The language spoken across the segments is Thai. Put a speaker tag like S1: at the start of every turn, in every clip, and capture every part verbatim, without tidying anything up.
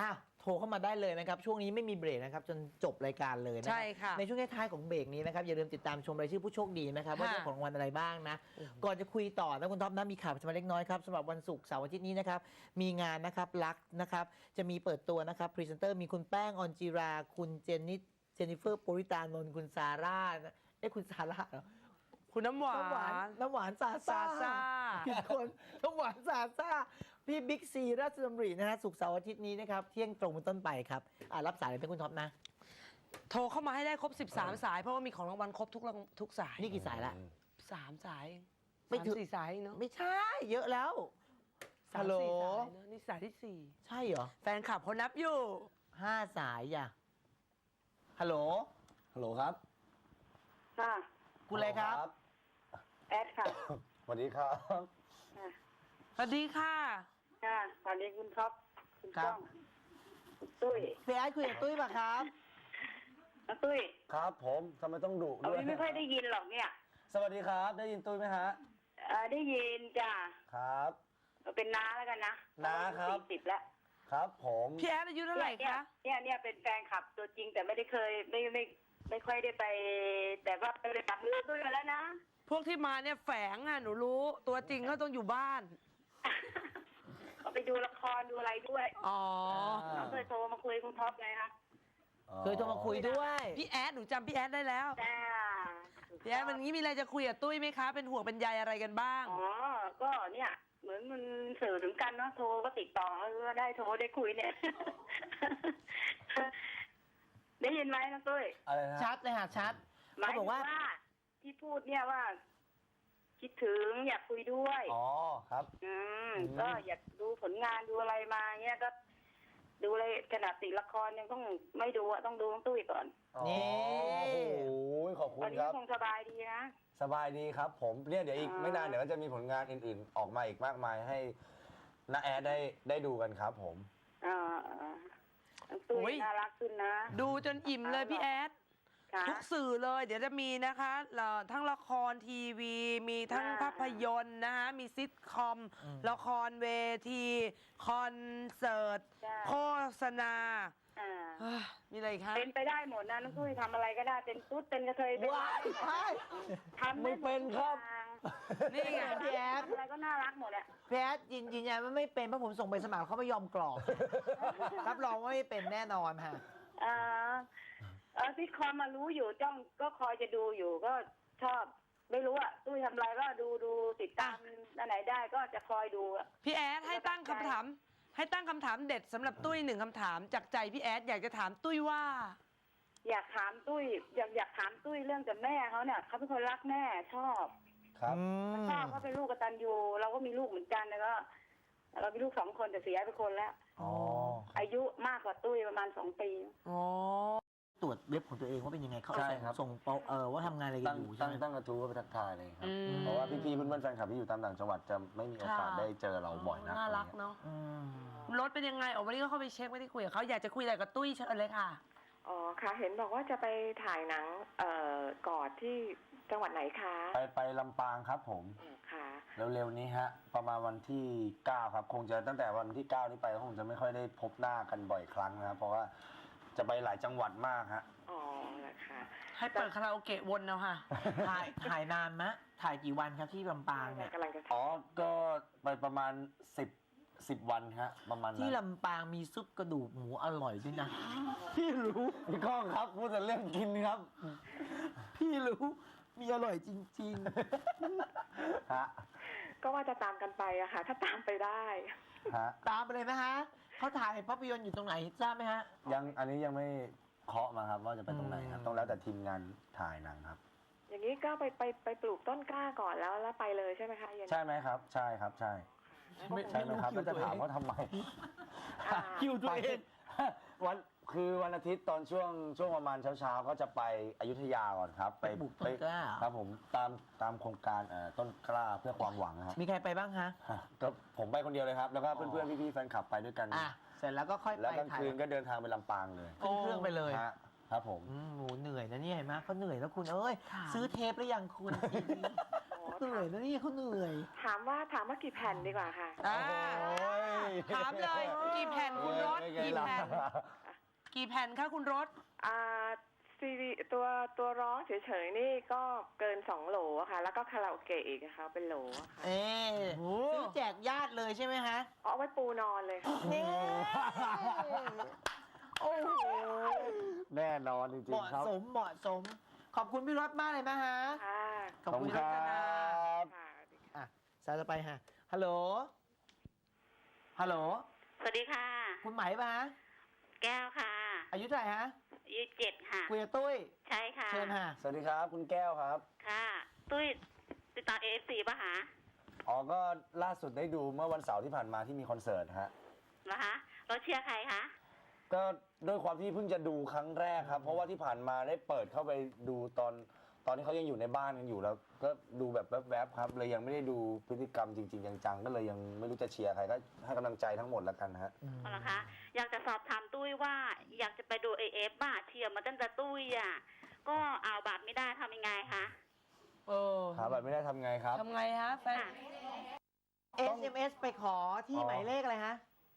S1: อ้าวโทรเข้ามาได้เลยนะครับช่วงนี้ไม่มีเบรกนะครับจนจบรายการเลยนะค
S2: ใช่
S1: รับ
S2: ค่ะ
S1: ในช่วงท้ายๆของเบรกนี้นะครับอย่าลืมติดตามชมรายชื่อผู้โชคดีนะครับว่า
S2: ค่ะ
S1: ได้ของรางวัลอะไรบ้างนะก่อนจะคุยต่อนะคุณท็อปนะมีข่าวประชาสัมพันธ์เล็กน้อยครับสำหรับวันศุกร์เสาร์อาทิตย์นี้นะครับมีงานนะครับรักนะครับจะมีเปิดตัวนะครับพรีเซนเตอร์มีคุณแป้งออนจิรา คุณเจนนิสเจนนิเฟอร์ปุริตานนท์คุณซาร่าเอ้คุณซาร่าเหรอ
S2: คุณน้ำหวา
S1: น้ำหวาน
S2: น
S1: น้ำหวานซา
S2: ซาซ่า
S1: ผิดคนน้ำหวานซาซ่าพี่บิ๊กซีราชดำรินะฮะศุกร์เสาร์อาทิตย์นี้นะครับเที่ยงตรงเป็นต้นไปครับอ่ารับสายเลยเป็นคุณท็อปนะ
S2: โทรเข้ามาให้ได้ครบ สิบสาม สาย เพราะว่ามีของรางวัลครบทุกรางทุกสาย
S1: นี่กี่สายละ
S2: สามสายเอง
S1: ไม่
S2: สาม
S1: ถึง
S2: สี่สายเองเนาะ
S1: ไม่ใช่เยอะแล้ว
S2: สา
S1: ฮั
S2: ม
S1: ลโหล
S2: สี่สายเนอะนี่สายที่สี่
S1: ใช่เหรอ
S2: แฟนคลับเขานับอยู่
S1: ห้าสายอ่ะฮัลโหล
S3: ฮัลโหลครับ
S4: ค่ะ
S1: คุณอะไรครับ
S4: แอดค่ะ
S3: สวัสดีครับ
S4: ค่ะ
S2: สวัสดีค่ะ
S4: ค่ะสวัสดีคุณท็อปคุณ
S1: ครั
S4: ก้
S1: บ
S4: องคุณตุ้ย
S1: พี่แอดคุยกับตุ้ยป่ะครับ
S4: น้องตุ้ย
S3: ครับผมทำไมต้องดุ
S4: เอา
S3: ด้วย
S4: ไม่ค่อยได้ยินหรอกเนี่ย
S3: สวัสดีครับ ได้ยินตุ้ยไหมฮะ
S4: เอ่อได้ยินจ้ะ
S3: ครับ
S4: เอาเป็นน้าแล้วกันนะ
S3: น้าครับ
S4: สี่สิบแล้ว
S3: ครับผม
S2: พี่แอดอายุเท่าไหร่
S4: เนี่ย
S2: คะ
S4: เนี่ยเนี่ยเป็นแฟนคลับตัวจริงแต่ไม่ได้เคยไม่ไม่ไม่ค่อยได้ไป แต่ว่าไปจับมือตุ้ยมาแล้วนะ
S2: พวกที่มาเนี่ยแฝงอ่ะหนูรู้ ตัวจริงเขาต้องอยู่บ้าน
S4: เอาไปดูละครดูอะไรด้วย
S2: อ๋อ
S4: น้องเคยโทรมาคุยกับคุณท็อปไงคะ
S1: เคยโทรมาคุยด้วย
S2: พี่แอดหนูจำพี่แอดได้แล้ว
S4: จ้า
S2: พี่แอดวันนี้มีอะไรจะคุยกับตุ้ยไหมคะ เป็นห่วงเป็นใยอะไรกันบ้าง
S4: อ๋อ ก็เนี่ย เหมือนมันสื่อถึงกันเนาะ โทรก็ติดต่อก็ได้โทรได้คุยเนี่ย ได้ยินไหมน้องตุ้ย
S3: อะไรนะ
S1: ชัดเลยฮะชัด
S4: หมาย
S1: เขาบ
S4: ถึ
S1: อง กว่า
S4: ว่าที่พูดเนี่ยว่า คิดถึงอยากคุยด้วย
S3: อ๋อครับ
S4: อืม
S3: อืม
S4: ก็อยากดูผลงานดูอะไรมาเงี้ยก็ ดูเลยขนาดติดละครยังต้องไม่ดูอะต้องดูน้องตุ้ยก่อน
S3: อ๋อ
S1: นี่
S3: โอ้โหขอบคุ
S4: วั
S3: ณ
S4: นนี้
S3: ครับ
S4: คงสบายดีนะ
S3: สบายดีครับ ผมเนี่ยเดี๋ยวอีก
S4: อ่า
S3: ไม่นานเดี๋ยวก็จะมีผลงานอื่นๆ ออกมาอีกมากมายให้น้าแอดได้ได้ดูกันครับผม
S4: อ่าน้องตุ้
S2: โอ้
S4: ย
S2: ย
S4: น่ารักขึ้นนะ
S2: ดูจนอิ่มเลยพี่แอด
S4: ค่ะ
S2: ทุกสื่อเลยเดี๋ยวจะมีนะคะเอ่อทั้งละครทีวี มีทั้ง
S4: อ่า
S2: ภาพยนตร์นะคะมีซิทคอม
S1: อืม
S2: ละครเวที คอนเสิร์ต
S4: จ้ะ
S2: โฆษณา
S4: อ่า
S2: เฮ้ยมีอะไรอีกคะ
S4: เป็นไปได้หมดนะน้องตุ้ยทำอะไรก็ได้เป็นตุ๊ดเป็นกระเทยเป็น
S1: ว้ายใช่
S4: ทำ
S3: ไม่
S4: ด้หด
S3: เป็นครับ
S4: ทุกอย่าง
S2: นี่ไง
S1: พี่แอด
S4: ทำอะไรก็น่ารักหมดอะ
S1: พี่แอดยืนยืนยันว่าไม่เป็นเพราะผมส่งไปสมัครเขาไม่ยอมกรอก รับรองว่าไม่เป็นแน่นอนฮะ
S4: อ่าเออซิทคอมมารู้อยู่จ้องก็คอยจะดูอยู่ก็ชอบ ไม่รู้อะตุ้ยทำอะไรก็ดูดูติดตามอันไหนได้ก็จะคอยดูอะ
S2: พี่แอดให้ตั้งคำถาม ให้ตั้งคำถามเด็ดสำหรับตุ้ยหนึ่งคำถามจากใจพี่แอดอยากจะถามตุ้ยว่า
S4: อยากถามตุ้ยอยากอยากถามตุ้ยเรื่องกับแม่เขาเนี่ยเขาเป็นคนรักแม่ชอบ
S3: ครับ
S4: ชอบเขาเป็นลูกกตัญญูเราก็มีลูกเหมือนกันแล้วก็เรามีลูกสองคนแต่เสียไปคนแล้ว
S3: อ๋อ
S4: อายุมากกว่าตุ้ยประมาณสองปี
S2: อ๋อ
S1: ตรวจเว็บของตัวเองว่าเป็นยังไงเขา
S3: ใช่
S1: ส่ง
S3: ครับ
S1: ส่งเปาเออว่าทำงานอะไรกั
S3: ตั้
S1: น
S3: ง
S1: อยู่ใช่
S3: ตั้ง
S1: ไหม
S3: ตั้งกระทู้ไปทักทายเลยครับ
S2: อืม
S3: เพราะว่าพี่ๆเพื่อนๆแฟนคลับที่อยู่ตามต่างจังหวัดจะไม่มีโอกาส
S2: ค่ะ
S3: ได้เจอเราบ่อยนัก
S2: น่ารักเนาะ
S1: อืม
S2: รถเป็นยังไงออกวันนี้ก็เข้าไปเช็คไม่ได้คุยกับเขาอยากจะคุยอะไรกับตุ้ยเชิญเลยค่ะ
S5: อ๋อค่ะ เห็นบอกว่าจะไปถ่ายหนังเอ่อกอดที่จังหวัดไหนคะ
S3: ไปไปลำปางครับผม
S5: อืมค่ะ
S3: เร็วๆนี้ฮะ ประมาณวันที่เก้าครับ คงจะตั้งแต่วันที่เก้านี้ไปก็คงจะไม่ค่อยได้พบหน้ากันบ่อยครั้งนะครับ เพราะว่าจะไปหลายจังหวัดมากฮะ
S5: อ๋อนะคะ
S2: ให้เปิดคาราโอเกะวนเอาค่ะ
S1: ถ่ายถ่ายนานมะถ่ายกี่วันครับที่ลำปางเนี่ย
S5: กำลังจะ
S3: อ๋อ ก็ไปประมาณสิบสิบวันฮะ ประมาณนั้น
S1: ที่ลำปางมีซุปกระดูกหมูอร่อยด้วยนะ พี่รู้
S3: พี่ก้องครับพูดแต่เรื่องกินครับ
S1: พี่รู้มีอร่อยจริง
S3: ฮะ
S5: ก็ว่าจะตามกันไปอะค่ะ ถ้าตามไปได้
S3: ฮะ
S1: ๆ ตามไปเลยไหมฮะเขาถ่ายภาพยนตร์อยู่ตรงไหนทราบไหมฮะ
S3: ยังอันนี้ยังไม่เคาะมาครับว่าจะไปตรงไหนครับ
S1: อืม
S3: ต้องแล้วแต่ทีมงานถ่ายหนังครับ
S5: อย่างนี้ก็ไปไปไปปลูกต้นกล้าก่อนแล้วแล้วไปเลยใช่ไหมคะเย็น
S3: ใช่ไหมครับ ใช่ครับ ใช่
S1: ไม่
S3: ใช่ไหมครับ
S1: คิ
S3: แล้ว วจะ
S1: ตัวเอง
S3: ถามว่าทำไม
S5: อ่า
S1: คิวตัวเอง
S3: วันคือวันอาทิตย์ตอนช่วงช่วงประมาณเช้าๆก็จะไปอยุธยาก่อนครับ
S1: ไปปลูกต้นกล้า
S3: ครับผมตามตามโครงการเอ่อต้นกล้าเพื่อความหวังนะครับ
S1: มีใครไปบ้างฮะ
S3: ก็ผมไปคนเดียวเลยครับ แล้วก็
S1: อ๋อ
S3: เพื่อนๆพี่ๆแฟนคลับไปด้วยกัน
S1: อ่ะเสร็จแล้วก็ค่อยไป
S3: แล้วกลาง
S1: ถ่าย
S3: คืนก็เดินทางไปลำปางเลย
S1: ขึ้นเครื่องไปเลย
S3: ฮะครับผม
S1: อืมโหเหนื่อยนะเนี่ยเห็นไหมเขาเหนื่อยแล้วคุณเอ้ย
S2: ค่ะ
S1: ซื้อเทปหรือยังคุณ
S5: อ๋อ
S1: เหนื่อยนะเนี่ยเขาเหนื่อย
S5: ถามว่าถามว่ากี่แผ่นดีกว่าค่ะ
S2: อ่า
S3: โอ้ย
S2: ถามเลยกี่แผ่นคุณรถ
S3: ไม่ไง
S2: กี่กี่แผ่น กี่แผ่นคะคุณรถ
S5: อ่าซีดีตัวตัวร้องเฉยๆนี่ก็เกินสองโหลอะค่ะ แล้วก็คาราโอเกะอีกนะคะเป็นโหลอะค่ะ
S1: เอ๊ะ
S2: โอ้
S1: ซื้อแจกญาติเลยใช่ไหมฮะ
S5: เอาไว้ปูนอนเลยค่ะ
S1: นี่โอ้โห
S3: แน่นอนจริง
S1: เหมาะ
S3: ๆครับ
S1: สมเหมาะสม ขอบคุณพี่รถมากเลยนะฮะ
S5: ค่ะ
S1: ขอบคุณ
S3: ค
S1: รั
S3: รั
S1: ตนา
S3: บ
S5: ค่ะ
S1: อ่ะสายต่อไปฮะฮัลโหลฮัลโหล
S6: สวัสดีค่ะ
S1: คุณไหมปะฮะ
S6: แก้วค่ะ
S1: อายุเท่าไหร่ฮะ
S6: อายุเจ็ดค่ะ
S1: คุยกับตุ้ย
S6: ใช่ค่ะ
S1: เชิญฮะ
S3: สวัสดีครับคุณแก้วครับ
S6: ค่ะ ตุ้ยติดตามเอฟซีป่ะคะ
S3: อ๋อก็ล่าสุดได้ดูเมื่อวันเสาร์ที่ผ่านมาที่มีคอนเสิร์ตฮะ
S6: เหรอคะเราเชียร์ใครคะ
S3: ก็ด้วยความที่เพิ่งจะดูครั้งแรกครับ เพราะว่าที่ผ่านมาได้เปิดเข้าไปดูตอนตอนที่เขายังอยู่ในบ้านกันอยู่แล้ว ก็ดูแบบแวบๆครับ เลยยังไม่ได้ดูพฤติกรรมจริงๆจังๆก็เลยยังไม่รู้จะเชียร์ใครก็ให้กำลังใจทั้งหมดแล้วกันฮะ
S6: เหรอคะ อยากจะสอบถามตุ้ยว่าอยากจะไปดูเอเอฟบ้าเชียร์มาตั้งแต่ตุ้ยอ่ะ ก็เอาบัตรไม่ได้ทำยังไงคะ
S2: เออ
S3: หาบัตรไม่ได้ทำไงครับ
S2: ทำไงฮะแฟน
S6: ค่ะ
S1: เอส เอ็ม เอส ไปขอที่
S3: อ๋อ
S1: หมายเลขอะไรฮะ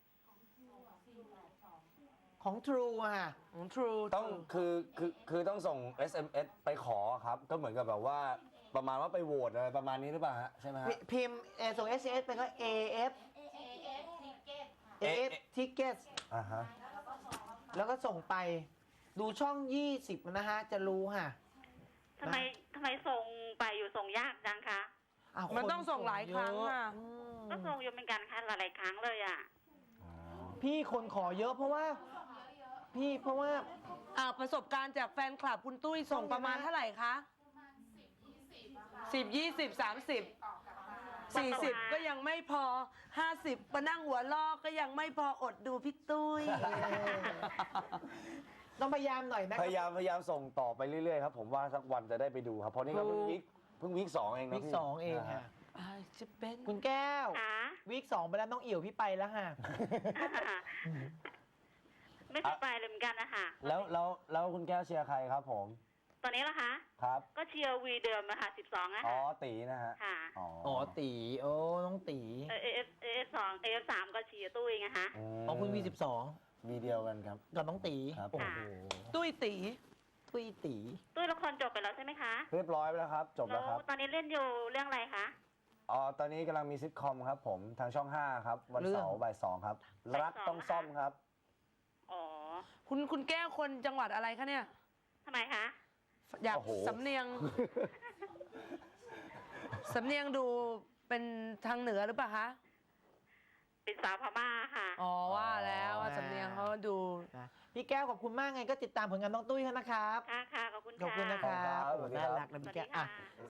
S1: ของ True อะฮะ
S2: ของ True
S3: ต้องคือคือคือต้องส่ง เอส เอ็ม เอส ไปขอครับ ก็เหมือนกับแบบว่าประมาณว่าไปโหวตอะไรประมาณนี้หรือเปล่าฮะใช่ไหมฮะ
S1: พิมพ์เอ่อส่ง เอส เอ็ม เอส ไปก็ เอ เอฟ เอ เอฟ Tickets
S3: อ่าฮะ
S1: แล้วก็ส่งไปดูช่อง ยี่สิบ นะฮะ จะรู้ฮะ
S6: ทำไมทำไมส่งไปอยู่ส่งยากจังคะ
S1: อ้าว
S2: มัน
S1: ค
S2: ต้องส่งหลายครั้ง
S1: เย
S2: อะ
S1: อืม
S6: ก็ส่งอยู่เหมือนกันค่ะหลายๆครั้งเลยอ่ะ
S1: พี่คนขอเยอะเพราะว่า พี่เพราะว่า
S2: อ่าประสบการณ์จากแฟนคลับคุณตุ้ยส่งประมาณเท่าไหร่คะสิบยี่สิบสามสิบสี่สิบก็ยังไม่พอห้าสิบมานั่งหัวลอกก็ยังไม่พออดดูพี่ตุ้ย
S1: ต้องพยายามหน่อยนะ
S3: พยายามพยายามส่งต่อไปเรื่อยๆครับ ผมว่าสักวันจะได้ไปดูครับ เพราะนี่ก็เพิ่ง
S2: ถูก
S3: วิกเพิ่งวิกสองเองนะ
S1: วิก
S3: พี่
S1: สองเอง
S3: นะ
S1: ฮะ
S3: ฮะ
S2: อ่าจะเป็น
S1: คุณแก้ว
S6: ค่ะ
S1: วิกสองไปแล้วน้องเอี่ยวพี่ไปแล้วฮะ
S6: ไม่เคยไปเลยเหมือนกันนะคะ
S3: แล้วแล้วแล้วคุณแก้วเชียร์ใครครับผม
S6: ตอนนี้ล่ะคะ
S3: ครับ
S6: ก็เชียร์วีเดิมนะคะสิบสองนะ
S3: อ๋อ
S6: คะ
S3: ตีนะฮะ
S6: ค่ะ
S3: อ๋อ
S1: อ๋อตีโอ้น้องตี
S6: เอเอฟเอฟสองเอฟสามก็เชียร์ตุ้ยไงคะ
S3: ม
S1: อ๋อคุณวีสิบสอง
S3: วีเดียวกันครับ
S1: กับน้องตี
S3: ครับ
S1: โอ้โห
S2: ตุ้ยตี
S1: ตุ้ยตี
S6: ตุ้ยละครจบไปแล้วใช่ไหมคะ
S3: เรียบร้อยไปแล้วครับ จบแล้วครับ
S6: ตอนนี้เล่นอยู่เรื่องอะไรคะ
S3: อ๋อ ตอนนี้กำลังมีซิทคอมครับผมทางช่องห้าครับ วันเสาร์บ่ายสองครับ รักต้องซ่อมครับ
S6: อ๋อ
S2: คุณคุณแก้วคนจังหวัดอะไรคะเนี่ย
S6: ทำไมคะ
S2: อยาก
S3: โอ้โห
S2: สำเนียง สำเนียงดูเป็นทางเหนือหรือเปล่าคะ
S6: เป็นสาวพม่าค่ะ
S2: อ๋อว่าแล้วว่าสำเนียงเขาดู
S1: นะพี่แก้วขอบคุณมากไงก็ติดตามผลงานน้องตุ้ยเขานะครับ
S6: ค่ะค่ะขอบคุณ
S1: ขอบคุณนะค
S6: ค่ะ
S1: รับ
S3: ขอบ
S1: โอ้
S3: คุณครับ
S1: น่ารักนะ
S6: สวั
S1: พี่
S6: ส
S1: แก้
S6: ดี
S1: วอ่ะ
S6: ค่ะ